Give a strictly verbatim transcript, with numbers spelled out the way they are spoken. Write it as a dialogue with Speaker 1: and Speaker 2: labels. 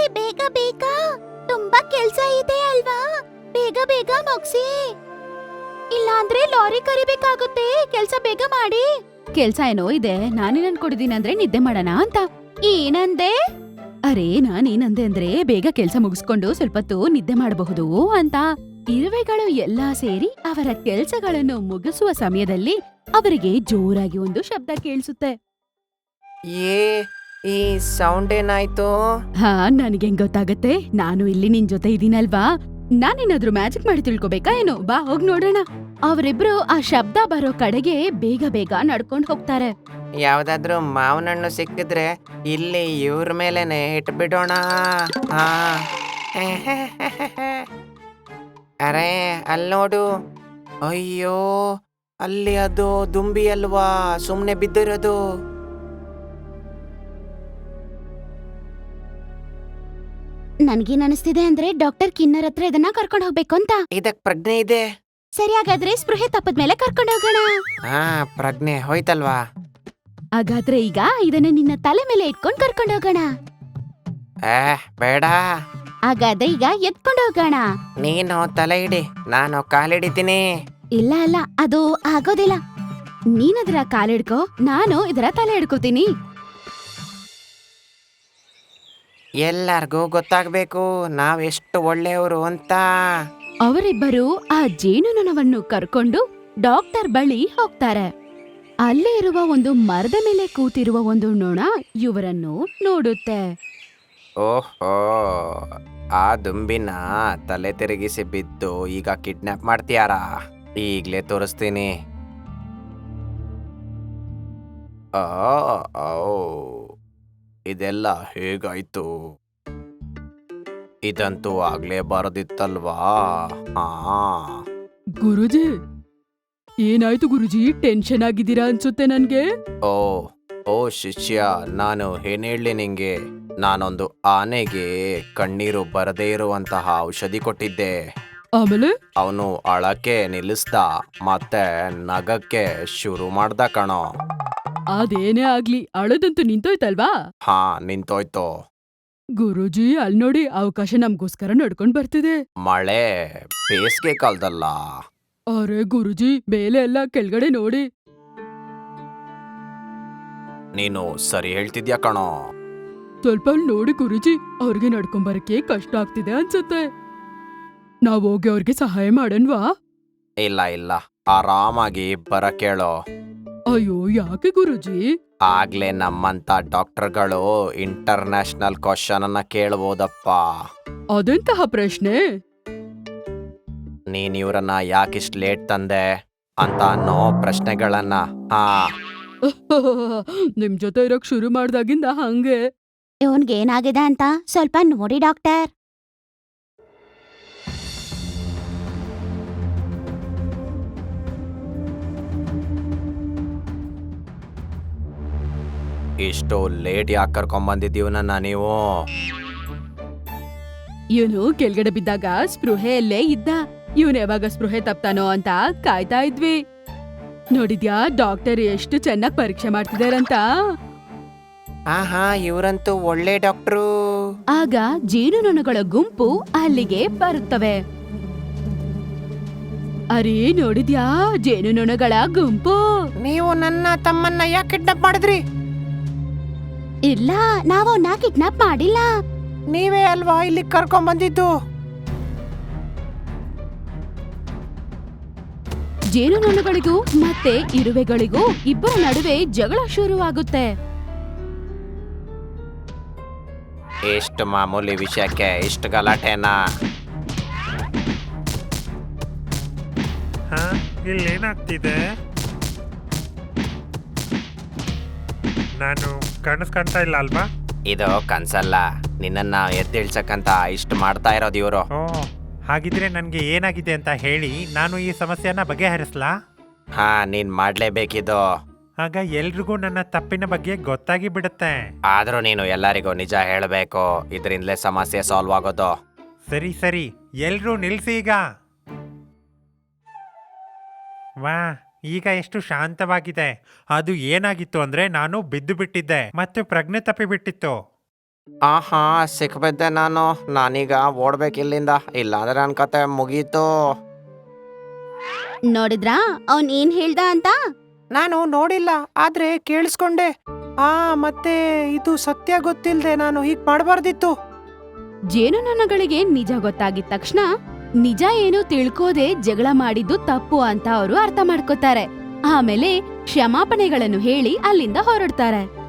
Speaker 1: ಬೇಗ ಬೇಗ, ತುಂಬಾ ಕೆಲ್ಸ ಇದೆ ಅಲ್ವಾ, ಬೇಗ ಬೇಗ ಮುಗ್ಸಿ, ಇಲ್ಲಾಂದ್ರೆ ಲಾರಿ ಕರಿಬೇಕಾಗುತ್ತೆ. ಕೆಲ್ಸ ಬೇಗ ಮಾಡಿ. ಕೆಲ್ಸ ಏನೋ ಇದೆ, ನಾನೇನ್ ಅನ್ಕೊಂಡಿದೀನಿ ಅಂದ್ರೆ ನಿದ್ದೆ ಮಾಡೋಣ ಅಂತ. ಏನಂದೆ? ಅರೆ ನಾನೇನಂದೆ ಅಂದ್ರೆ ಬೇಗ ಕೆಲ್ಸ ಮುಗಿಸ್ಕೊಂಡು ಸ್ವಲ್ಪತ್ತು ನಿದ್ದೆ ಮಾಡಬಹುದು ಅಂತ. ಇರುವೆಗಳು ಎಲ್ಲಾ ಸೇರಿ ಅವರ ಕೆಲ್ಸಗಳನ್ನು ಮುಗಿಸುವ ಸಮಯದಲ್ಲಿ ಅವರಿಗೆ ಜೋರಾಗಿ ಒಂದು ಶಬ್ದ ಕೇಳಿಸುತ್ತೆ.
Speaker 2: ಏ ಈ ಸೌಂಡ್ ಏನಾಯ್ತು?
Speaker 1: ಹಾ ನನಗೆ ಗೊತ್ತಾಗತ್ತೆ, ನಾನು ಇಲ್ಲಿ ನಿನ್ ಜೊತೆ ಇದೀನಲ್ವಾ, ನಾನೇನಾದ್ರೂ ಮ್ಯಾಜಿಕ್ ಮಾಡಿ ತಿಳ್ಕೊಬೇಕಾ ಏನೋ, ಬಾ ಹೋಗ್ ನೋಡೋಣ. ಅವರಿಬ್ರು ಆ ಶಬ್ದ ಬರೋ ಕಡೆಗೆ ಬೇಗ ಬೇಗ ನಡ್ಕೊಂಡ್ ಹೋಗ್ತಾರೆ.
Speaker 2: ಯಾವ್ದಾದ್ರು ಮಾವಿನ ಹಣ್ಣು ಸಿಕ್ಕಿದ್ರೆ ಇಲ್ಲಿ ಇವ್ರ ಮೇಲೆನೆ ಇಟ್ಬಿಡೋಣ. ಹಾ ಅರೆ ಅಲ್ಲಿ ನೋಡು, ಅಯ್ಯೋ ಅಲ್ಲಿ ಅದು ದುಂಬಿ ಅಲ್ವಾ ಸುಮ್ನೆ ಬಿದ್ದಿರೋದು.
Speaker 1: ನನ್ಗೇನ್ ಅನಿಸ್ತಿದೆ ಅಂದ್ರೆ ಡಾಕ್ಟರ್ ಕಿನ್ನರ್ ಹತ್ರ ಇದನ್ನ ಕರ್ಕೊಂಡ್ ಹೋಗ್ಬೇಕು ಅಂತ.
Speaker 2: ಇದಕ್ ಪ್ರಜ್ಞೆ ಇದೆ.
Speaker 1: ಸರಿ, ಹಾಗಾದ್ರೆ ಸ್ಪೃಹೆ ತಪ್ಪದ್ಮೇಲೆ ಕರ್ಕೊಂಡ್ ಹೋಗೋಣ.
Speaker 2: ಹಾ ಪ್ರಜ್ಞೆ ಹೋಯ್ತಲ್ವಾ?
Speaker 1: ಹಾಗಾದ್ರೆ ಈಗ ಇದನ್ನ ನಿನ್ನ ತಲೆ ಮೇಲೆ ಇಟ್ಕೊಂಡ್ ಕರ್ಕೊಂಡ್ ಹೋಗೋಣ.
Speaker 2: ಏ ಬೇಡ,
Speaker 1: ಹಾಗಾದ್ರೆ ಈಗ ಎತ್ಕೊಂಡ್ ಹೋಗೋಣ.
Speaker 2: ನೀನು ತಲೆ ಇಡಿ, ನಾನು ಕಾಲಿಡಿತೀನಿ.
Speaker 1: ಇಲ್ಲ ಅಲ್ಲ, ಅದು ಆಗೋದಿಲ್ಲ. ನೀನದರ ಕಾಲಿಡ್ಕೋ, ನಾನು ಇದರ ತಲೆ ಹಿಡ್ಕೋತೀನಿ.
Speaker 2: ಎಲ್ಲಾರ್ಗೂ ಗೊತ್ತಾಗ್ಬೇಕು ನಾವೆಷ್ಟು ಒಳ್ಳೆಯವರು ಅಂತ.
Speaker 1: ಅವರಿಬ್ಬರು ಆ ಜೇನುನೊಣವನ್ನು ಕರ್ಕೊಂಡು ಡಾಕ್ಟರ್ ಬಳಿ ಹೋಗ್ತಾರೆ. ಅಲ್ಲೇ ಇರುವ ಒಂದು ಮರದ ಮೇಲೆ ಕೂತಿರುವ ಒಂದು ನೊಣ ಇವರನ್ನು ನೋಡುತ್ತೆ.
Speaker 2: ಓಹೋ, ಆ ದುಂಬಿನ ತಲೆ ತಿರುಗಿಸಿ ಬಿದ್ದು ಈಗ ಕಿಡ್ನಾಪ್ ಮಾಡ್ತೀಯಾರಾ? ಈಗ್ಲೇ ತೋರಿಸ್ತೀನಿ. ಆ, ಔ, ಇದೆಲ್ಲ ಹೇಗಾಯ್ತು? ಇದಂತೂ ಆಗ್ಲೇ ಬರದಿತ್ತಲ್ವಾ? ಹಾ
Speaker 1: ಗುರುಜಿ, ಏನಾಯ್ತು ಗುರುಜಿ? ಟೆನ್ಷನ್ ಆಗಿದ್ದೀರಾ ಅನ್ಸುತ್ತೆ ನನ್ಗೆ.
Speaker 2: ಓ ಓ ಶಿಷ್ಯ, ನಾನು ಏನ್ ಹೇಳಿ ನಿಂಗೆ, ನಾನೊಂದು ಆನೆಗೆ ಕಣ್ಣೀರು ಬರದೇ ಇರುವಂತಹ ಔಷಧಿ ಕೊಟ್ಟಿದ್ದೆ.
Speaker 1: ಆಮೇಲೆ
Speaker 2: ಅವನು ಅಳಕ್ಕೆ ನಿಲ್ಲಿಸ್ದ, ಮತ್ತೆ ನಗಕ್ಕೆ ಶುರು ಮಾಡ್ದ ಕಣೋ.
Speaker 1: ಅದೇನೇ ಆಗ್ಲಿ, ಅಳದಂತೂ ನಿಂತೋಯ್ತಲ್ವಾ?
Speaker 2: ಹಾ ನಿಂತೋಯ್ತು.
Speaker 1: ಗುರುಜಿ, ಅಲ್ ನೋಡಿ, ಅವಕಾಶ ನಮ್ಗೋಸ್ಕರ ನಡ್ಕೊಂಡ್ ಬರ್ತಿದೆ.
Speaker 2: ಮಳೆ ಬೇಸಿಗೆ ಕಾಲದಲ್ಲ.
Speaker 1: ಅರೆ ಗುರುಜಿ, ಮೇಲೆ ಎಲ್ಲ ಕೆಳಗಡೆ ನೋಡಿ.
Speaker 2: ನೀನು ಸರಿ ಹೇಳ್ತಿದ್ಯಾ ಕಣೋ.
Speaker 1: ಸ್ವಲ್ಪ ಅಲ್ಲಿ ನೋಡಿ ಗುರುಜಿ, ಅವ್ರಿಗೆ ನಡ್ಕೊಂಬರಕ್ಕೆ ಕಷ್ಟ ಆಗ್ತಿದೆ ಅನ್ಸುತ್ತೆ. ನಾವ್ ಹೋಗಿ ಅವ್ರಿಗೆ ಸಹಾಯ ಮಾಡನ್ವಾ?
Speaker 2: ಇಲ್ಲ ಇಲ್ಲ, ಆರಾಮಾಗಿ ಬರ ಕೇಳೋ.
Speaker 1: ಅಯ್ಯೋ ಯಾಕೆ ಗುರುಜಿ?
Speaker 2: ಆಗ್ಲೇ ನಮ್ಮಂತ ಡಾಕ್ಟರ್ಗಳು ಇಂಟರ್ನ್ಯಾಷನಲ್ ಕ್ವಶನ್ ಅನ್ನ ಕೇಳ್ಬೋದಪ್ಪ.
Speaker 1: ಅದೆಂತಹ ಪ್ರಶ್ನೆ?
Speaker 2: ನೀನ್ ಇವ್ರನ್ನ ಯಾಕಿಷ್ಟು ಲೇಟ್ ತಂದೆ ಅಂತ ಅನ್ನೋ ಪ್ರಶ್ನೆಗಳನ್ನ. ಹಾ
Speaker 1: ನಿಮ್ ಜೊತೆ ಇರೋಕ್ ಶುರು ಮಾಡ್ದಾಗಿಂದ ಹಂಗೆ. ಇವನ್ಗೆ ಏನಾಗಿದೆ ಅಂತ ಸ್ವಲ್ಪ ನೋಡಿ ಡಾಕ್ಟರ್.
Speaker 2: ಇಷ್ಟು ಲೇಟ್ ಯಾಕೆ ಕರ್ಕೊಂಬಂದಿದ್ದೀವನನ್ನ ನೀವು?
Speaker 1: ಇವನು ಕೆಳಗಡೆ ಬಿದ್ದಾಗ ಸ್ಪೃಹೆಯಲ್ಲೇ ಇದ್ದ. ಇವನ್ ಯಾವಾಗ ಸ್ಪೃಹೆ ತಪ್ತಾನೋ ಅಂತ ಕಾಯ್ತಾ ಇದ್ವಿ. ನೋಡಿದ್ಯಾ ಡಾಕ್ಟರ್ ಎಷ್ಟು ಚೆನ್ನಾಗ್ ಪರೀಕ್ಷೆ ಮಾಡ್ತಿದಾರಂತ.
Speaker 2: ಹಾ ಹಾ ಇವ್ರಂತೂ ಒಳ್ಳೆ ಡಾಕ್ಟ್ರು.
Speaker 1: ಆಗ ಜೇನುನೊಣಗಳ ಗುಂಪು ಅಲ್ಲಿಗೆ ಬರುತ್ತವೆ. ಅರೇ ನೋಡಿದ್ಯಾ, ಜೇನುನೊಣಗಳ ಗುಂಪು.
Speaker 2: ನೀವು ನನ್ನ ತಮ್ಮನ್ನ ಯಾಕೆ ಕಿಡ್ನಾಪ್ ಮಾಡಿದ್ರಿ?
Speaker 1: ಇಲ್ಲ, ನಾವು ಅವನ್ನ ಕಿಡ್ನಾಪ್ ಮಾಡಿಲ್ಲ.
Speaker 2: ನೀವೇ ಅಲ್ವಾ ಇಲ್ಲಿ ಕರ್ಕೊಂಡ್ ಬಂದಿದ್ದು.
Speaker 1: ಜೇನುನೊಣಗಳಿಗೂ ಮತ್ತೆ ಇರುವೆಗಳಿಗೂ ಇಬ್ಬರ ನಡುವೆ ಜಗಳ ಶುರುವಾಗುತ್ತೆ.
Speaker 2: ಎಷ್ಟು ಮಾಮೂಲಿ ವಿಷಯಕ್ಕೆ ಇಷ್ಟು ಗಲಾಟೆನಾ?
Speaker 3: ಹಾ ಇಲ್ಲೇನಾಗ್ತಿದೆ? ನಾನು ಕಾಣಿಸ್ಕೊಂತ ಇಲ್ಲ ಅಲ್ವಾ?
Speaker 2: ಇದು ಕನ್ಸಲ್ಲ, ನಿನ್ನನ್ನ ಎದ್ದೇಳ್ಸಕ್ಕಂತ ಇಷ್ಟು ಮಾಡ್ತಾ ಇರೋದು ಇವರು.
Speaker 3: ಓ ಹಾಗಿದ್ರೆ ನನಗೆ ಏನಾಗಿದೆ ಅಂತ ಹೇಳಿ ನಾನು ಈ ಸಮಸ್ಯೆನ ಬಗೆಹರಿಸ್ಲಾ?
Speaker 2: ಹಾ ನೀನ್ ಮಾಡ್ಲೇಬೇಕಿದು.
Speaker 3: ಆಗ ಎಲ್ರಿಗೂ ನನ್ನ ತಪ್ಪಿನ ಬಗ್ಗೆ ಗೊತ್ತಾಗಿ ಬಿಡುತ್ತೆ.
Speaker 2: ಆದ್ರೂ ನೀನು ಎಲ್ಲರಿಗೂ ನಿಜ ಹೇಳಬೇಕು, ಇದರಿಂದಲೇ ಸಮಸ್ಯೆ ಸಾಲ್ವ್ ಆಗೋದು.
Speaker 3: ಸರಿ ಸರಿ, ಎಲ್ರೂ ನಿಲ್ಸಿ ಈಗ. ವಾ, ಈಗ ಎಷ್ಟು ಶಾಂತವಾಗಿದೆ. ಅದು ಏನಾಗಿತ್ತು ಅಂದ್ರೆ ನಾನು ಬಿದ್ದು ಬಿಟ್ಟಿದ್ದೆ ಮತ್ತೆ ಪ್ರಜ್ಞೆ ತಪ್ಪಿ ಬಿಟ್ಟಿತ್ತು.
Speaker 2: ಆಹಾ ಸಿಕ್ಬಿದ್ದೆ ನಾನು ನಾನೀಗ ಓಡ್ಬೇಕು ಇಲ್ಲಿಂದ ಇಲ್ಲಾಂದ್ರೆ ನನ್ನ ಕತೆ ಮುಗೀತು.
Speaker 1: ನೋಡಿದ್ರಾ ಅವನ್ ಏನ್ ಹೇಳ್ದ ಅಂತ?
Speaker 2: ನಾನು ನೋಡಿಲ್ಲ ಆದ್ರೆ ಕೇಳಿಸ್ಕೊಂಡೆ. ಆ ಮತ್ತೆ ಇದು ಸತ್ಯ ಗೊತ್ತಿಲ್ದೆ ನಾನು ಹೀಗ್ ಮಾಡಬಾರ್ದಿತ್ತು.
Speaker 1: ಜೇನುನೊಣಗಳಿಗೆ ನಿಜ ಗೊತ್ತಾಗಿದ ತಕ್ಷಣ ನಿಜ ಏನು ತಿಳ್ಕೋದೆ ಜಗಳ ಮಾಡಿದ್ದು ತಪ್ಪು ಅಂತ ಅವರು ಅರ್ಥ ಮಾಡ್ಕೋತಾರೆ. ಆಮೇಲೆ ಕ್ಷಮಾಪಣೆಗಳನ್ನು ಹೇಳಿ ಅಲ್ಲಿಂದ ಹೊರಡ್ತಾರೆ.